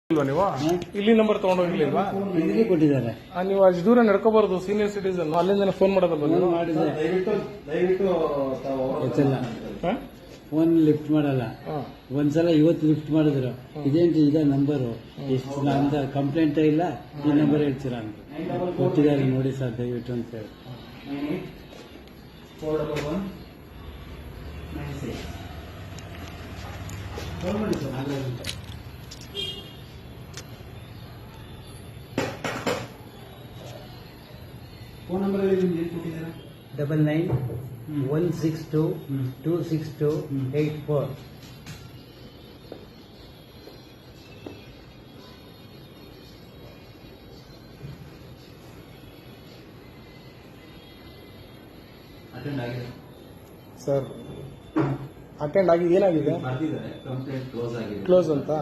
ನೀವು ಇಲ್ಲಿ ನಂಬರ್ ತಗೊಂಡೋಗಿರ್ಲಿಲ್ವಾ? ಇಲ್ಲಿ ಕೊಟ್ಟಿದ್ದಾರೆ. ನೀವು ಅಷ್ಟು ದೂರ ನಡ್ಕೋಬಾರ್ದು, ಸೀನಿಯರ್ ಸಿಟಿಸನ್. ಅಲ್ಲಿಂದ ಫೋನ್ ಮಾಡೋದಲ್ವ ನೀವು? ಫೋನ್ ಲಿಫ್ಟ್ ಮಾಡಲ್ಲ. ಒಂದ್ಸಲ ಇವತ್ತು ಲಿಫ್ಟ್ ಮಾಡಿದ್ರು, ಇದೇಂಟಿ ಇದ ನಂಬರು, ಎಷ್ಟು ನಮ್ದು ಕಂಪ್ಲೇಂಟ್ ಇಲ್ಲ, ಈ ನಂಬರ್ ಹೇಳ್ತೀರಾ ಅಂತ ಕೊಟ್ಟಿದ್ದಾರೆ, ನೋಡಿ ಸರ್ ದಯವಿಟ್ಟು ಅಂತ ಹೇಳಿ. ಫೋನ್ ನಂಬರ್ ಹೇಳಿ, ನಿಮ್ಗೆ ಏನು ಕೊಟ್ಟಿದ್ದಾರೆ? 9916226284. ಅಟೆಂಡ್ ಆಗಿದೆ ಸರ್. ಅಟೆಂಡ್ ಆಗಿ ಏನಾಗಿದೆ? ಬರ್ದಿದ್ದಾರೆ, ಕಂಪ್ಲೇಂಟ್ ಕ್ಲೋಸ್ ಆಗಿದೆ, ಕ್ಲೋಸ್ ಅಂತ.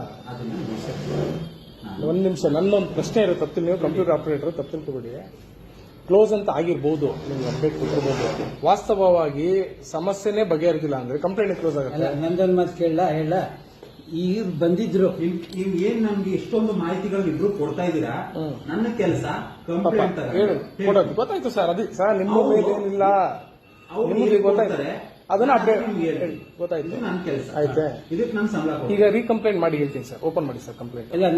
ಒಂದ್ ನಿಮಿಷ, ನನ್ನೊಂದು ಪ್ರಶ್ನೆ ಇರೋ ತಪ್ಪು, ನೀವು ಕಂಪ್ಯೂಟರ್ ಆಪರೇಟರ್ ತಪ್ಪು ತಿಳ್ಕೊಬೇಡಿ. ಕ್ಲೋಸ್ ಅಂತ ಆಗಿರ್ಬೋದು, ನಿಮ್ಗೆ ಅಪ್ಡೇಟ್ ಕೊಟ್ಟಿರ್ಬೋದು. ವಾಸ್ತವವಾಗಿ ಸಮಸ್ಯೆನೇ ಬಗೆಹರಿದಿಲ್ಲ ಅಂದ್ರೆ ಕಂಪ್ಲೇಂಟ್ ಕ್ಲೋಸ್ ಆಗುತ್ತೆ. ನಂದೊಂದು ಮಾತು ಹೇಳ, ಈಗ ಬಂದಿದ್ರು. ನೀವು ಏನ್ ನಮ್ಗೆ ಇಷ್ಟೊಂದು ಮಾಹಿತಿಗಳನ್ನ ಇಬ್ರು ಕೊಡ್ತಾ ಇದ್ದೀರಾ? ನನ್ನ ಕೆಲಸ ಕಂಪ್ಲೇಂಟ್ ಕೊಡೋದು ಗೊತ್ತಾಯ್ತು ಸರ್. ಅದೇ ಸರ್, ನಿಮ್ಮ ಮೇಲೆ ಏನಿಲ್ಲ, ನಿಮಗೆ ಗೊತ್ತಾಯ್ತು, ಅದನ್ನ ಅಪ್ಡೇಟ್ ಗೊತ್ತಾಯ್ತು. ನನ್ನ ಕೆಲಸ ಆಯ್ತಾ? ಇದಕ್ಕೆ ನಾನು ಸಂಬಳ. ಈಗ ರೀಕಂಪ್ಲೇಂಟ್ ಮಾಡಿ ಹೇಳ್ತೀನಿ ಸರ್. ಓಪನ್ ಮಾಡಿ ಸರ್ ಕಂಪ್ಲೇಂಟ್.